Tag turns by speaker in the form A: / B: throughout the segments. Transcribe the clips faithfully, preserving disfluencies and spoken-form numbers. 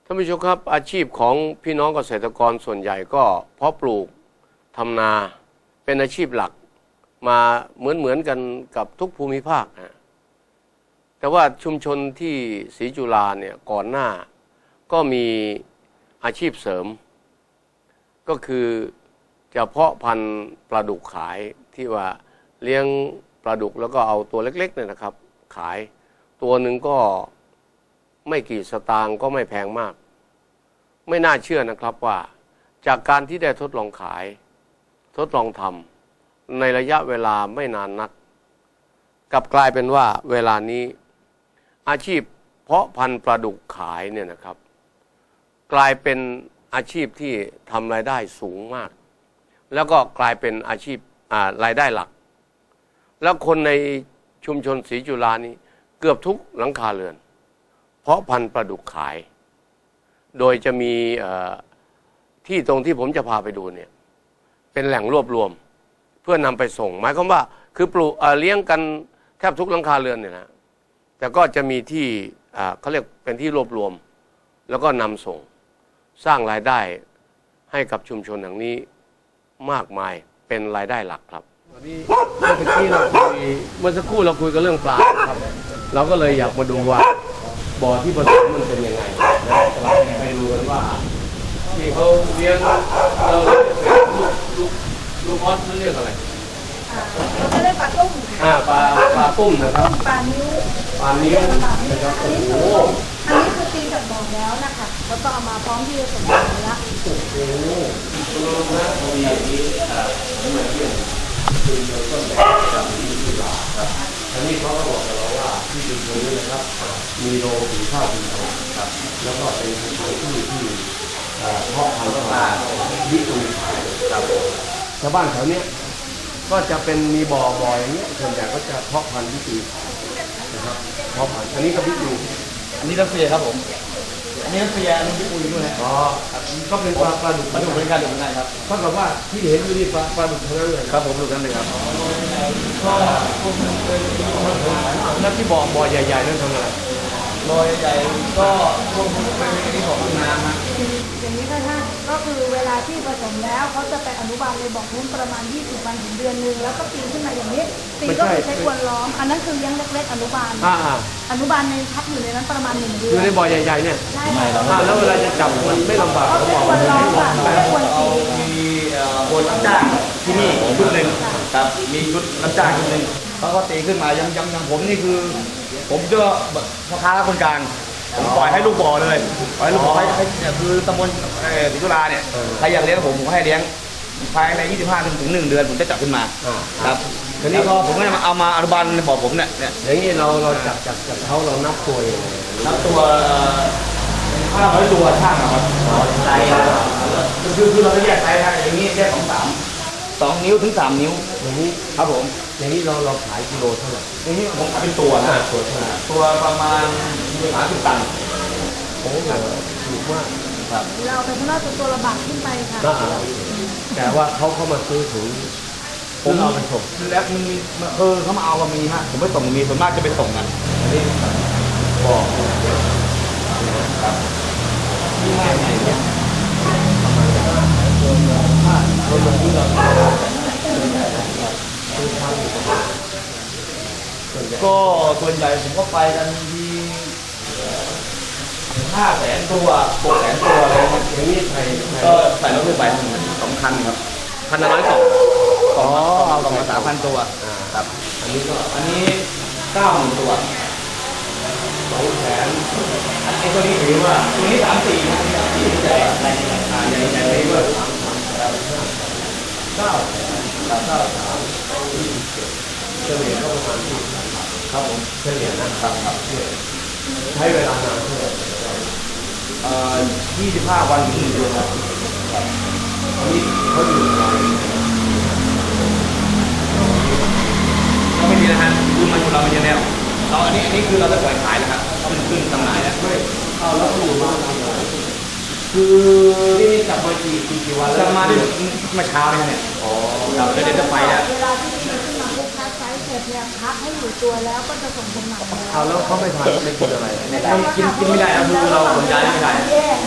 A: ท่านผู้ชมครับอาชีพของพี่น้องเกษตรกรส่วนใหญ่ก็เพาะปลูกทำนาเป็นอาชีพหลักมาเหมือนเหมือนกันกับทุกภูมิภาคนะแต่ว่าชุมชนที่ศรีจุฬาเนี่ยก่อนหน้าก็มีอาชีพเสริมก็คือจะเพาะพันธุ์ปลาดุกขายที่ว่าเลี้ยงปลาดุกแล้วก็เอาตัวเล็กๆเนี่ยนะครับขายตัวหนึ่งก็ไม่กี่สตางค์ก็ไม่แพงมากไม่น่าเชื่อนะครับว่าจากการที่ได้ทดลองขายทดลองทำในระยะเวลาไม่นานนักกลับกลายเป็นว่าเวลานี้อาชีพเพาะพันธุ์ปลาดุกขายเนี่ยนะครับกลายเป็นอาชีพที่ทำรายได้สูงมากแล้วก็กลายเป็นอาชีพรายได้หลักแล้วคนในชุมชนศรีจุฬานี้เกือบทุกหลังคาเรือนเพาะพันธุ์ปลาดุกขายโดยจะมีที่ตรงที่ผมจะพาไปดูเนี่ยเป็นแหล่งรวบรวมเพื่อนำไปส่งหมายความว่าคือปลูกเลี้ยงกันแทบทุกหลังคาเรือนเนี่ยนะแต่ก็จะมีที่เขาเรียกเป็นที่รวบรวมแล้วก็นำส่งสร้างรายได้ให้กับชุมชนอย่างนี้มากมายเป็นรายได้หลักครับวันนี้เมื่อกี้เราคุยเมื่อสักครู่เราคุยกันเรื่องปลาครับเราก็เลยอยากมาดูว่าบ่อที่ผสมมันเป็นยังไงนะเราไปดูกันว่าที่เขาเลี้ยงเราลูกลูกลูกออสเขาเรียกอะไร
B: เราจะเรียกปลาตุ้ม
A: อ่าปลาปลาตุ้มนะครับ
B: ปลานิ้ว
A: ปลานิ้วนะครับโอ้โห
B: อันนี้คือตีจากบ่อแล้วนะคะแล้วก็เอามาพร้อมที่จะส่งเนื้อ
A: โอ้โหตัวนะมีอย่างนี้อ่าเหมือนที่คือเราต้นแบบจากที่ที่ลาครับอันนี้เขาก็บอกกับเราว่าที่ชุมชนนี้นะครับมีโรงสีข้าวสีทองครับแล้วก็เป็นสถานที่ที่เพาะพันธุ์ปลาวิตุขายครับชาวบ้านแถวนี้ก็จะเป็นมีบ่อบ่ออย่างเงี้ยส่วนใหญ่ก็จะเพาะพันธุ์วิตุนะครับเพาะพันธุ์อันนี้ก็วิตุ
C: อันนี้รัสเซียครับผมอันนี้รัสเซียอันนี้ญี่ปุ่นด้วยนะ
A: อ๋อก็เป็นปลาปลาดุก
C: ปลาดุกเป็นการดุกเหมือนกันครับ
A: เท่ากับว่าที่เห็นอยู่นี่ปลาปลาดุกทั้งนั้นเลย
C: ครับผมดุกทั้งนั้นเลยครับ
A: ก็แล้วที่บ่อบ่อใหญ่ๆนั่นทำอะไร
C: บ่อใหญ่ๆก็พวกเป็นที่ของน้ำนะ
B: อย่างนี้ค่ะท่านก็คือเวลาที่ผสมแล้วเขาจะไปอนุบาลในบ่อนู้นประมาณยี่สิบวันถึงเดือนนึงแล้วก็ปีนขึ้นมาอย่างนี้ปีก็คือใช้กวนล้อมอันนั้นคือเลี้ยงเล็กๆอนุบาลอนุบาลในพักอยู่ในนั้นประมาณหนึ่งเดือน
A: อยู่ในบ่อใหญ่ๆเนี่ย
B: ใช่ค่ะ
A: แล้วเวลาจะจับมันไม่ลำบากเขาบอก
B: กวนล้อมค่ะไม่ควรตี
C: มีคนรับจ้างที่นี่ชุดหนึ่งครับมีชุดรับจ้างชุดหนึ่งเขาก็ตีขึ้นมายังยังยังผมนี่คือผมเจอพ่อค้าคนกลางผมปล่อยให้ลูกบ่อเลยปล่อยลูกบ่อให้เนี่ยคือตำบลศรีจุฬาเนี่ยใครอยากเลี้ยงผมผมให้เลี้ยงภายในยี่สิบห้าถึงหนึ่งเดือนผมจะจับขึ้นมาครับทีนี้ก็ผมก็จะมาเอามาอนุบาลในบ่อผมเนี่ยเนี่ย
A: อย่างนี้เราเราจับจับจับเขาเรานับตัวเอง
C: นับตัวห้าร้อยตัวช่างครับไซส์คือคือเราจะแยกไซส์อย่างนี้แยกสองสามสองนิ้วถึงสามนิ้ว
A: อย่างนี้
C: ครับผม
A: อย่างนี้เราเราขายกิโลเท่าไหร่
C: อย่างนี้ผมขายเป็นตัวนะ
A: ตัวเท่าไหร่
C: ตัวประมาณสามสิบตัน
A: โอ้โหถูกมาก
C: ครับ
B: เราไปข้างนอกจนตัวระบาดขึ้นไปค่ะ
A: แต่ว่าเขาเข้ามาซื้อถึง
C: ผมเอาไปส่งแล้วมันมีเออเขามาเอาก็มีฮะผมไม่ส่งมีส่วนมากจะไปส่งกันนี่
A: บอก
C: ครับที่ง่ายไงเนี่ย
A: คนลงที่เรา
C: ก็ส่วนใหญ่ผมก็ไปกันที่ห้าแสนตัวหกแสนตัวอะไร
A: อย่างนี้ใส่
C: ก็ใส่รถขึ้นไปสองคันครับคันละร้อยกล่องกล่องเอากล่องละสามพันตัวครับ
A: อันนี้ก็
C: อันนี้เก้าหมื่นตัว
A: สองแสน
C: ไอ้ตัวนี้ถือว่าตัวนี้สามสี่นะที่ใหญ่ใหญ่ใหญ่ใหญ่เลยด้วย
A: เก้าเก้าเก้าสามเฉลี่ยก็ประมาณที่
C: ครับผม
A: เฉลี่ยนะครับครับใช้เวลานานเท่าไหร่
C: เอ่อยี่สิบห้าวันถึงหนึ่งเดือนครับ
A: อันนี้เขาอยู่ไหน
C: ก็ไม่มีนะฮะคือมันอยู่เราเป็นยังไงเราอันนี้อันนี้คือเราจะปล่อยขายนะครับเขาเป็นขึ้นจำหน่ายแล้ว
A: ไม่เอาแล้วเขาอยู่มาทำอะไรคือนี่จับมากี่กี่กี่วันแล้ว
C: จับมาได้เมื่อเช้าเนี่ย
A: อ๋อ
C: เราเดี๋ยวจะไปแล้ว
B: เวลาที่ตีขึ้นมาลูกค้าไซส์เสร็จเนี่ยพักให้อยู่ตัวแล้วก็จะส่งจำหน่าย
A: เอาแล้วเขาไม่ทานไม่กินอะไร
C: ไม่กินกินไม่ได้นะคือเราขนย้ายไม่ได้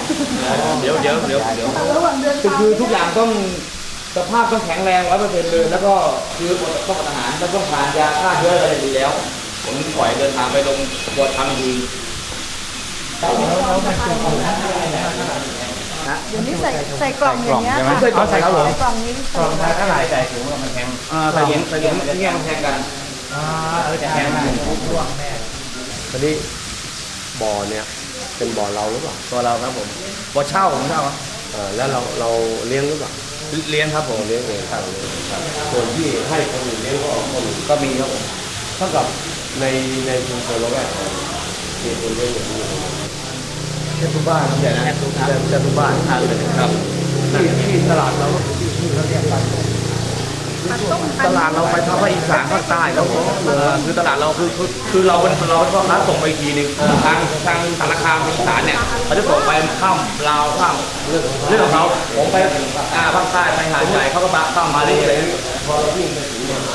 C: เดี๋ยวเดี๋ยวเดี๋ยวเดี๋ยว
B: ระหว่างเดิน
C: คือคือทุกอย่างต้องสภาพต้องแข็งแรงร้อยเปอร์เซ็นต์เลยแล้วก็คือต้องอาหารแล้วต้องทานยาฆ่าเชื้ออะไรดีแล้ว ผมปล่อยเดินทางไปลงบวชทำดี
B: เดี๋ยวนี้ใส่ใส่กล่องอย่างเงี้ยค่ะ
C: ใส่กล่องใส่ครับผม
B: กล่องนี้
D: กล่องเท่าไหร่ใส่ถุงแล้วมันแพง
C: อ่าใส่เหรียญใส่เหรียญที่แง่งแทงกัน
D: อ่าเออจะแพงมากร่วงแน่
A: ตอนนี้บ่อเนี่ยเป็นบ่อเราหรือเปล่า
C: ตัวเราครับผมบ่อเช่าผมเช่าครับ
A: เออแล้วเราเราเลี้ยงหรือเปล่า
C: เลี้ยงครับผม
A: เราเลี้ยงเองครับครับส่วนที่ให้คนอื่นเลี้ยงก็คนอื่น
C: ก็มีครับผม
A: เท่ากับในในชุมชนเราแวกของมีคนเลี้ยงอย่างนี้
C: แค่ทุกบ้านครับใหญ่นะแค่ทุก
A: แค่ทุกบ้าน
C: ทานเลยครับ
A: ที่ที่ตลาดเราก็คือที่ที่เขาเรียกกัน
C: ตลาดเราไปทางภาคอีสานภาคใต้แล้วคือตลาดเราคือคือคือเราเป็นเราเป็นพ่อค้าส่งไปอีกทีหนึงทางทางธนาคารอีสานเนี่ยเขาจะส่งไปข้ามลาวข้ามเรื่องเรื่องของเขาผมไปอ่าภาคใต้ไปหาดใหญ่เขาก็ข้ามมาเลยอะไรอย่างเงี้ย
A: พอเราวิ่งไปถึงเนี่ย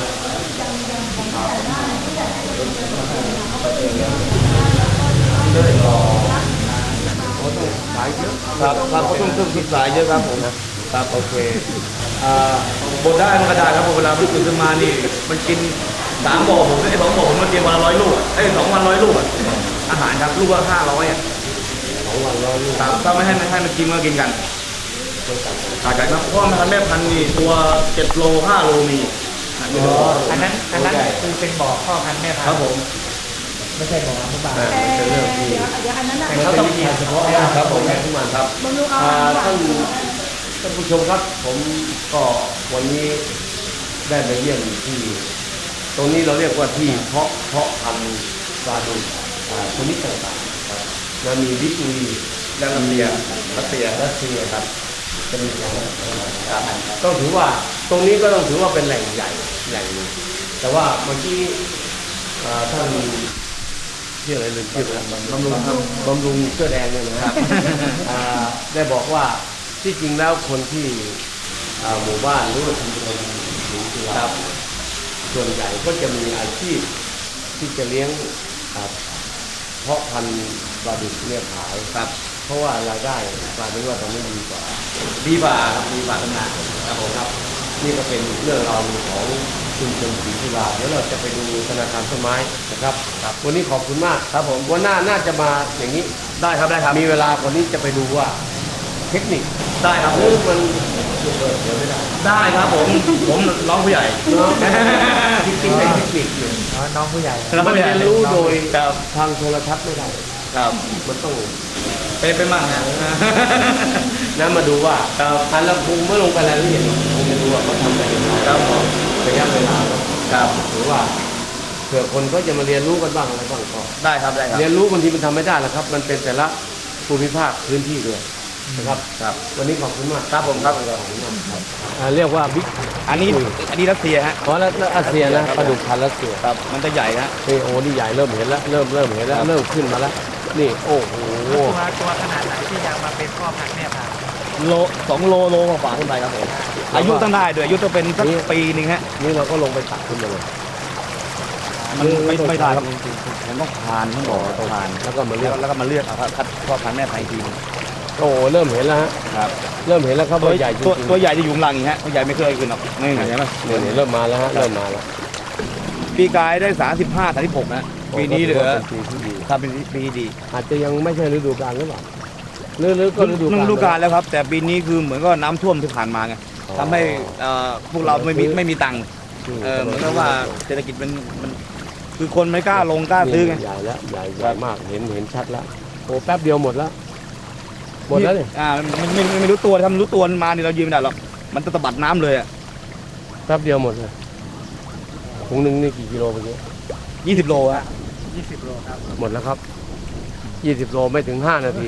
C: ขายเยอะครับครับเขาต้องต้องศึกษาเยอะครับผมครับโอเคอ่าบดได้มันก็ได้ครับเวลามันตื่นขึ้นมานี่มันกินสามบ่อผมไอ้สองบ่อผมมันเตรียมวันละร้อยลูกไอ้สองวันร้อยลูกอาหารครับลูกละห้าร้อยอ่ะ
A: สองวันเราลูก
C: ครับถ้าไม่ให้ไม่ให้มันกินมันก็กินกันขาดกันครับเพราะมันแม่พันธุ์นี่ตัวเจ็ดโลห้าโลมี
D: อันนั้นอันนั้นคือเป็นบ่อพ่อพันธุ์แม่พัน
C: ครับ
D: ธุ์
C: ผม
D: ไม่ใช่บ่ออนุบาล
A: อ่า
B: แต่
A: มันเป็นเรื่องที่
B: เดี๋ยวเดี๋ยวอันนั้นน่ะ
D: แต่เขาต้องกินเฉพาะ
C: ครับผม
A: ทุกวันครับ
B: บำรุงเอา
A: อ่า
B: หวา
A: ท่าน นท่านผู้ชมครับ ผมก็วันนี้ได้มาเยี่ยมที่ ตรงนี้เราเรียกว่าที่เพาะเพาะพันธุ์ปลาดุกอ่าชนิดต่างๆครับแล้วมีวิตุรี
C: และรัสเซียรัสเซีย
A: รัสเซียครับเป็นอย่างนั้นครับต้องถือว่าตรงนี้ก็ต้องถือว่าเป็นแหล่งใหญ่แหล่งหนึ่งแต่ว่าเมื่อกี้อ่าท่านชื่ออะไรลืมชื่อไปแล้วบำรุงครับบำรุงเสื้อแดงเนี่ยนะครับ อ่าได้บอกว่าที่จริงแล้วคนที่อ่าหมู่บ้านหรือว่าชุมชนหรือที่เราส่วนใหญ่ก็จะมีอาชีพที่จะเลี้ยงอ่าเพาะพันธุ์ปลาดุกเนี่ยขายครับ เพราะว่ารายได้กลายเป็นว่าตอนนี้ดีกว่า
C: ดีกว่าครับดีกว่าทำงาน
A: ครับผมครับ นี่ก็เป็นเรื่องราวของชุมชนศรีจุฬาเดี๋ยวเราจะไปดูธนาคารต้นไม้นะครับครับวันนี้ขอบคุณมากครับผมวันหน้าน่าจะมาอย่างนี้
C: ได้ครับได้ครับ
A: มีเวลาคนนี้จะไปดูว่าเทคนิค
C: ได้ครับ
A: หรือมันเปิดเดี๋ยวไม่ได้
C: ได้ครับผมผมน้องผู้ใหญ่
A: จริงๆเป็นเทคนิคอยู่
D: อ๋อน้องผู้ใหญ่
A: มันเรียนรู้โดย
C: ครับ
A: ทางโทรทัศน์ไม่ได้
C: ครับ
A: มันต้อง
C: เป็นเป็นมั่งนะ
A: นั่นมาดูว่า
C: ครับ
A: อันละภูมิเมื่อลงไปรายละเอียดคงจะดูว่าเขาทำไปยังไง
C: ครับผม
A: ระยะเวลา
C: ครับ
A: หรือว่าเผื่อคนก็จะมาเรียนรู้กันบ้างอะไรบ้างก็
C: ได้ครับได้ครับ
A: เรียนรู้บางทีมันทำไม่ได้หรอกครับ มันเป็นแต่ละภูมิภาคพื้นที่ด้วยนะครับ
C: ครับ
A: วันนี้ขอบคุณมาก
C: ครับผมครับ
A: ขอบคุณมากครับอ่าเรียกว่าบิ๊ก
C: อันนี้อันนี้รัสเซียฮะ
A: อ๋อแล้วแล้วอาเซียนะปลาดุกพันธุ์รัสเซีย
C: ครับมันจะใหญ่ฮะ
A: นี่โอ้นี่ใหญ่เริ่มเห็นแล้วเริ่มเริ่มเห็นแล้วเริ่มขึ้นมาแล้วนี่โอ้โห
D: ตัวตัวขนาดไหนที่ยังมาเป็นพ่อพันธุ์แม่พันธุ์
C: โลสองโลโลกว่าขึ้นไปครับผมอายุต้องได้ด้วยอายุต้องเป็นสักปีหนึ่งฮะ
A: นี่เราก็ลงไปตักขึ้นมาเลย
C: มันไม่ไม่ได้ครับผมต้องผ่านต้องบอกต้องผ่าน
A: แล้วก็มาเลือก
C: แล้วก็มาเลือกเอาครับคัดพ่อพันธุ์แม่พันธุ์อีกทีหนึ่ง
A: โอ้โหเริ่มเห็นแล้วฮะ
C: ครับ
A: เริ่มเห็นแล้วครับ
C: ตัว
A: ว่าใหญ่จริง
C: ตัว
A: ๆ
C: ตัวใหญ่จะอยู่ข้างหลังอีกฮะตัวใหญ่ไม่เคยขึ้นหรอกนี่เห็นไหม
A: เนี่ยเนี่ยเริ่มมาแล้วฮะเริ่มมาแล้ว
C: ปีกายได้สามสิบห้าสามสิบหกนะปีนี้เหลือ
A: เป็นปีที่ดี
C: ครับเป็นปีดี
A: อาจจะยังไม่ใช่ฤดูกาลหรือเปล่าหรือหรือก็ฤดูกาล
C: ฤดูกาลแล้วครับ แต่ปีนี้คือเหมือนก็น้ำท่วมที่ผ่านมาไง
A: อ๋อ
C: ทำให้เอ่อพวกเราไม่มีไม่มีตังค์
A: อืม
C: เออเหมือนกับว่าเศรษฐกิจมันมันคือคนไม่กล้าลงกล้าซื้อไง
A: ใหญ่แล้วใหญ่ใหญ่มากเห็นเห็นชัดแล้วโอ้แป๊บเดียวหมดแล้วหมดแล้วเนี่ย
C: อ่าไม่ไม่ไม่ไม่รู้ตัวทำรู้ตัวมันมาเนี่ยเรายืนไม่ได้หรอกมันจะตะบัดน้ำเลยอ่ะ
A: แป๊บเดียวหมดเลยถุงหนึ่งนี่กี่กิโลเมื่อกี้
C: ยี่สิบโลฮะ
D: ยี่สิบโลครับ
A: หมดแล้วครับยี่สิบโลไม่ถึงห้านาที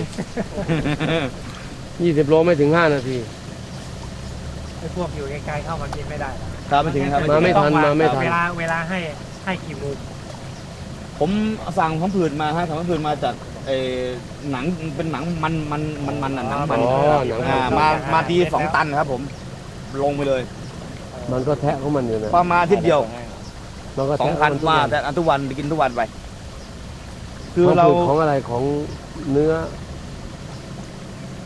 A: ยี่สิบโลไม่ถึงห้านาที
D: ไอ้พวกอยู่ไกลๆเข้ามากินไม่ได้หรอก
C: ครับไม่ถึงครับ
A: มาไม่ทันมาไม่ทัน
D: เวลาเวลาให้ให้กี่โมง
C: ผมสั่งพังผืดมาฮะสั่งพังผืดมาจากเออหนังเป็นหนังมันมันมันมันอะหนังมัน
A: อ๋อหนัง
C: อ่ามามาทีสองตันครับผมลงไปเลย
A: มันก็แทะของมันอยู่นะ
C: ประมาณอาทิตย์เดียว
A: มันก็
C: สอง
A: แทะ
C: พัน
A: ข
C: ว่า
A: มัน
C: แต่อันทุกวันไปกินทุกวันไป คือ
A: ของ
C: เรา
A: ของอะไรของเนื้อ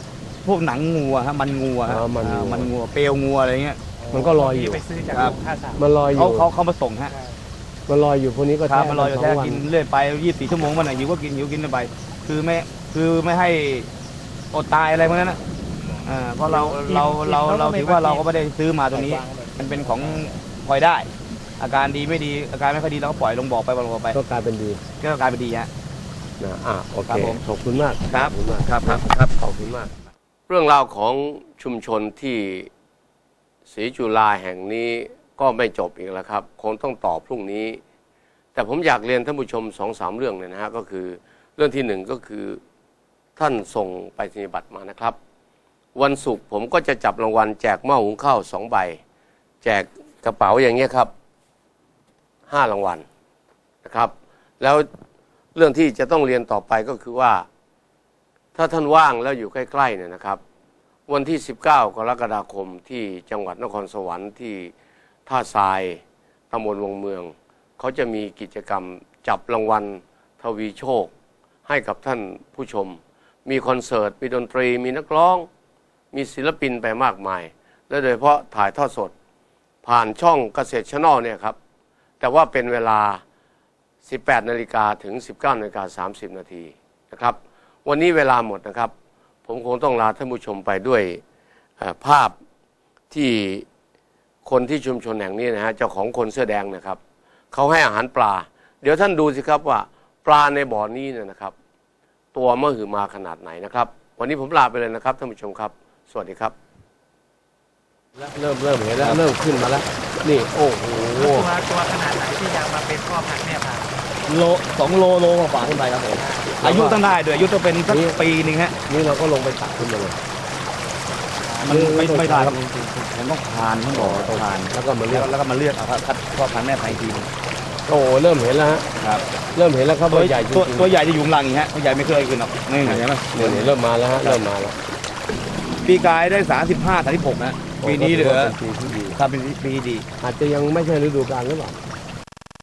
C: พวกหนังงูอะฮะมันงูอะฮะ
A: อ๋อมันงู
C: อ่ามันงูเปลวงูอะไรเงี้ย
A: มันก็ลอยอยู่
D: ไปซื้อจาก
C: ครับ
D: โรงฆ่าสัตว์
A: มันลอยอ
C: เขา
A: ยู่
C: เขาเขามาส่งฮะ
A: มันลอยอยู่พวกนี้ก็
C: ครับ
A: แช่
C: มันลอยอยู่
A: ส
C: แค่
A: งวัน
C: กินเรื่อยไปยี่สิบสี่ชั่วโมงวันไหนหิวก็กินหิวกินไป คือไม่คือไม่ให้อดตายอะไรพวกนั้นนะอ่าเพราะเราเราเราเราถือว่าเราก็ไม่ได้ซื้อมาตัวนี้ มันเป็นของพลอยได้ อาการดีไม่ดีอาการไม่ค่อยดีเราก็ปล่อยลงบ่อไปลงบ่อไป
A: ก็กลายเป็นดี
C: ก็กลายเป็นดีฮะ
A: นะอ่ะโอเค
C: ครับผม
A: ขอบคุณมาก
C: ครับ
A: ขอบคุณมาก
C: ครับครับครับ
A: ขอบคุณมาก เรื่องราวของชุมชนที่ศรีจุฬาแห่งนี้ก็ไม่จบอีกแล้วครับ คงต้องตอบพรุ่งนี้ แต่ผมอยากเรียนท่านผู้ชมสองสามเรื่องเนี่ยนะฮะก็คือเรื่องที่หนึ่งก็คือท่านส่งไปรษณียบัตรมานะครับ วันศุกร์ผมก็จะจับรางวัลแจกหม้อหุงข้าวสองใบ แจกกระเป๋าอย่างเงี้ยครับห้ารางวัลนะครับ แล้วเรื่องที่จะต้องเรียนต่อไปก็คือว่า ถ้าท่านว่างแล้วอยู่ใกล้ๆเนี่ยนะครับ วันที่สิบเก้ากรกฎาคมที่จังหวัดนครสวรรค์ที่ท่าทรายตำบลวงเมืองเขาจะมีกิจกรรมจับรางวัลทวีโชค ให้กับท่านผู้ชม มีคอนเสิร์ตมีดนตรีมีนักร้อง มีศิลปินไปมากมาย และโดยเฉพาะถ่ายทอดสด ผ่านช่องเกษตรชแนลเนี่ยครับ แต่ว่าเป็นเวลา สิบแปดนาฬิกาถึง สิบเก้านาฬิกาสามสิบนาทีนะครับ วันนี้เวลาหมดนะครับ ผมคงต้องลาท่านผู้ชมไปด้วยเอ่อภาพที่คนที่ชุมชนแห่งนี้นะฮะเจ้าของคนเสื้อแดงนะครับเขาให้อาหารปลา เดี๋ยวท่านดูสิครับว่าปลาในบ่อนี้เนี่ยนะครับ ตัวมหึมาขนาดไหนนะครับ วันนี้ผมลาไปเลยนะครับท่านผู้ชมครับ สวัสดีครับ เริ่มเริ่มเห็นแล้วเริ่มขึ้นมาแล้ว นี่โอ้โห
D: ตัวตัวขนาดไหนที่จะมาเป็นพ่อพันธุ์แม่พันธุ์
C: โลสองโลโลกว่าๆขึ้นไปครับผมอายุต้องได้ด้วยอายุต้องเป็นสัก
A: นี่
C: ปีหนึ่งฮะ
A: นี่เราก็ลงไปตักขึ้นมาเลย
C: มันไม่
A: ไม่
C: ไม่ได้ครับ
A: ไม่
C: ผมต้องผ่านต้องบอกต้องผ่าน
A: แล้วก็มาเลื
C: แล้
A: อ
C: ว
A: ก
C: แล้วก็มาเลือกเอาครับคัดพ่อพันธุ์แม่พันธุ์อีกทีหนึ่ง
A: โอ้โหเริ่มเห็นแล้วฮะ
C: ครับ
A: เริ่มเห็นแล้วครับ
C: ตัว
A: ว่าใหญ่จริ
C: ตัว
A: งๆ
C: ตัวใหญ่จะอยู่ข้างหลังอย่างนี้ฮะตัวใหญ่ไม่เคยขึ้นหรอกนี่เห็นไหม
A: เดี๋ยวนี้เริ่มมาแล้วฮะเริ่มมาแล้ว
C: ปีกายได้สามสิบห้าสามสิบหกนะปีนี้เหลือ
A: โก็ถืว่าเป็นปีที่ดี
C: ถ้าเป็นปีที่ดี
A: อาจจะยังไม่ใช่ฤดูกาลหรือเปล่า